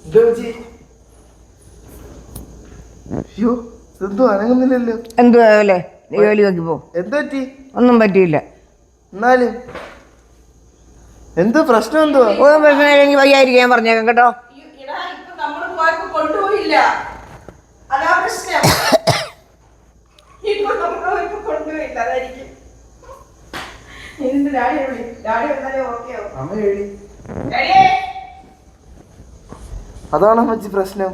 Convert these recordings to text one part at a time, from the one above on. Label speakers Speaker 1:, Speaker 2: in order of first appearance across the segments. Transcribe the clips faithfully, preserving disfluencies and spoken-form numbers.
Speaker 1: എന്തുവാ ജോലി നോക്കി പോ. ഒന്നും പറ്റിയില്ല.
Speaker 2: എന്നാലും എന്ത് പ്രശ്നം? എന്തുവാ
Speaker 1: പ്രശ്നം? എനിക്ക് വയ്യായിരിക്കാൻ പറഞ്ഞേക്കാം കേട്ടോ.
Speaker 3: കൊണ്ടുപോയില്ല, അതാ പ്രശ്നം. ഇപ്പൊ നമ്മള് കൊണ്ടുപോയില്ല, അതായിരിക്കും.
Speaker 2: അതാണോ മച്ചി പ്രശ്നം?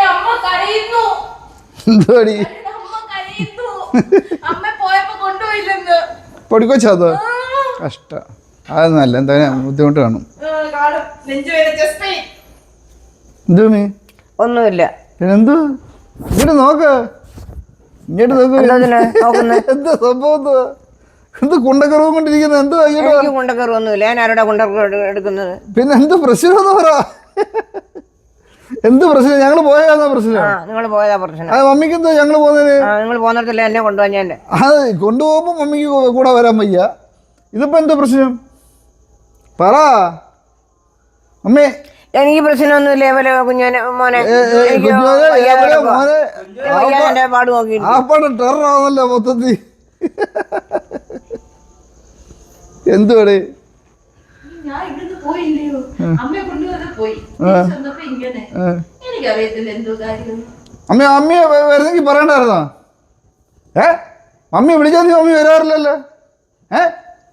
Speaker 4: പൊടിക്കൊച്ചത് കഷ്ട. അതൊന്നല്ല, എന്താ ബുദ്ധിമുട്ട് കാണും. എന്തോമി?
Speaker 1: ഒന്നുമില്ല.
Speaker 4: പിന്നെന്തു? ഇങ്ങോട്ട് നോക്ക്, ഇങ്ങോട്ട് നോക്ക്. എന്താ സംഭവം? എന്ത് കുണ്ടക്കറവും കൊണ്ടിരിക്കുന്നത്? എന്തോ
Speaker 1: കുണ്ടക്കറവൊന്നുമില്ല. ഞാൻ ആരോടാ കുണ്ടക്കറ എടുക്കുന്നത്?
Speaker 4: പിന്നെ എന്ത് പ്രശ്നം? പറ, എന്ത് പ്രശ്നം? ഞങ്ങള് പോയതാ പ്രശ്നം.
Speaker 1: നിങ്ങൾ പോയതാ പ്രശ്നം.
Speaker 4: അത് മമ്മിക്ക് എന്താ ഞങ്ങള് പോകുന്നതിന്?
Speaker 1: നിങ്ങൾ പോകുന്നിടത്തില്ല എന്നെ കൊണ്ടുപോകാൻ. ഞാൻ
Speaker 4: അത് കൊണ്ടുപോകുമ്പോ മമ്മിക്ക് കൂടെ വരാൻ വയ്യ. ഇതിപ്പോ എന്താ പ്രശ്നം? പറ അമ്മേ.
Speaker 1: എനിക്ക് പ്രശ്നമൊന്നുമില്ല. കുഞ്ഞോനെ മോനെ പാട് നോക്കി
Speaker 4: ആ പാട് ടെററാണല്ലോ മൊത്തത്തിൽ. എന്തുവാടേ? അമ്മ അമ്മയെ വരുന്നെങ്കിൽ പറയണ്ടായിരുന്നോ? ഏ മമ്മി വിളിച്ചാൽ നീ മമ്മി വരാറില്ലല്ലോ. ഏ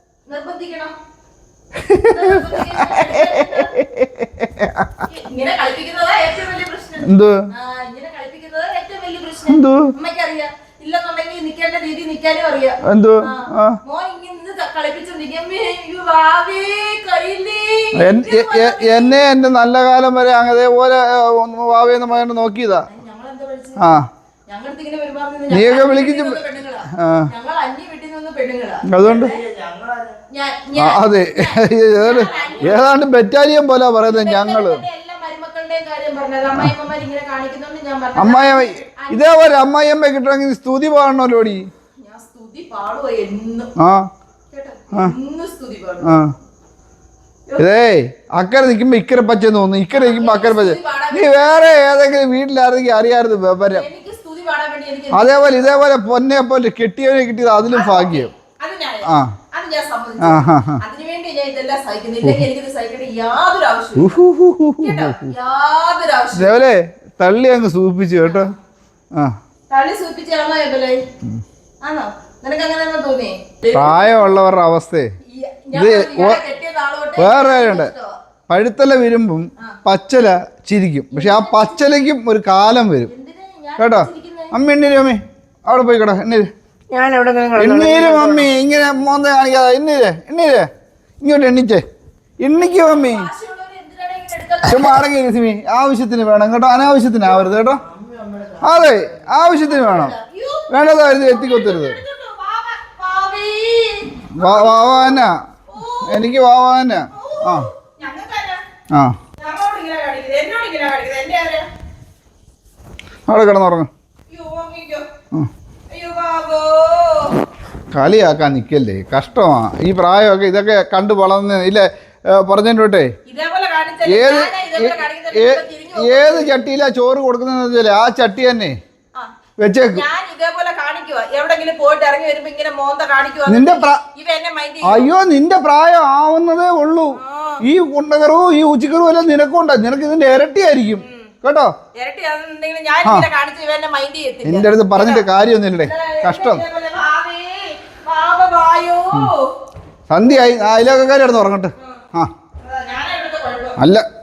Speaker 4: എന്തോ എന്തോ എന്തോ എന്നെ എന്റെ നല്ല കാലം വരെ അതേപോലെ വാവേന്ന് മകനെ നോക്കിയതാ. ആ നീയൊക്കെ വിളിക്കും. അതുകൊണ്ട് അതെ, ഏതാണ്ട് ബറ്റാലിയൻ പോലെ പറയുന്നത് ഞങ്ങള്. അമ്മായിയമ്മ ഇതേപോലെ അമ്മായിയമ്മ കിട്ടണമെങ്കിൽ സ്തുതി പാടണല്ലോടി. ആ ആ ഇതേ അക്കരെ നിൽക്കുമ്പോ ഇക്കരെ പച്ചെന്ന് തോന്നുന്നു, ഇക്കരെ നിൽക്കുമ്പോ അക്കരെ പച്ച. നീ വേറെ ഏതെങ്കിലും വീട്ടിലായിരുന്നെങ്കിൽ അറിയാമായിരുന്നു വിവരം. അതേപോലെ ഇതേപോലെ പൊന്നെ പോലെ കെട്ടിയവനെ കിട്ടിയത് അതിലും ഭാഗ്യം. ആ ഇതേപോലെ തള്ളി അങ്ങ് സൂപ്പിച്ചു കേട്ടോ. ആ പ്രായമുള്ളവരുടെ അവസ്ഥയെ ഇത് വേറെ കാര്യമുണ്ട്. പഴുത്തല വരുമ്പം പച്ചല ചിരിക്കും, പക്ഷെ ആ പച്ചലയ്ക്കും ഒരു കാലം വരും കേട്ടോ. അമ്മ എണ്ണീര്, അമ്മേ അവിടെ പോയി കേട്ടോ. എണ്ണീര് എണ്ണീര് മമ്മി, ഇങ്ങനെ മോന്ത കാണിക്കാതെ എണ്ണീര് എണ്ണീര് ഇങ്ങോട്ട് എണ്ണിച്ചേ. എണ്ണിക്കോ മമ്മി, ചുമ്മാ അടങ്ങി രശ്മി. ആവശ്യത്തിന് വേണം കേട്ടോ, അനാവശ്യത്തിന് ആവരുത് കേട്ടോ. അതെ ആവശ്യത്തിന് വേണം, വേണ്ടതായിരുന്നു എത്തിക്കൊത്തരുത്. വാവാന എനിക്ക് വാവാന. ആ ആ അവിടെ കിടന്നുറങ്ങും. കളിയാക്കാൻ നിൽക്കല്ലേ, കഷ്ടമാ ഈ പ്രായമൊക്കെ. ഇതൊക്കെ കണ്ടു വളർന്ന് ഇല്ലേ പറഞ്ഞോട്ടെ. ഏത് ഏത് ചട്ടിയിലാ ചോറ് കൊടുക്കുന്നതെന്ന് വെച്ചാൽ ആ ചട്ടി തന്നെ വെച്ചേക്കും. നിന്റെ അയ്യോ നിന്റെ പ്രായം ആവുന്നതേ ഉള്ളൂ. ഈ കുണ്ടകറവും ഈ ഉച്ചക്കറും എല്ലാം നിനക്കുണ്ട്. നിനക്ക് ഇതിന്റെ ഇരട്ടിയായിരിക്കും കേട്ടോ. നിന്റെ അടുത്ത് പറഞ്ഞിട്ട് കാര്യമൊന്നുമില്ലേ, കഷ്ടം. സന്ധ്യയായി, അയലോക്കാർ കിടന്ന് ഉറങ്ങട്ടെ. ആ അല്ല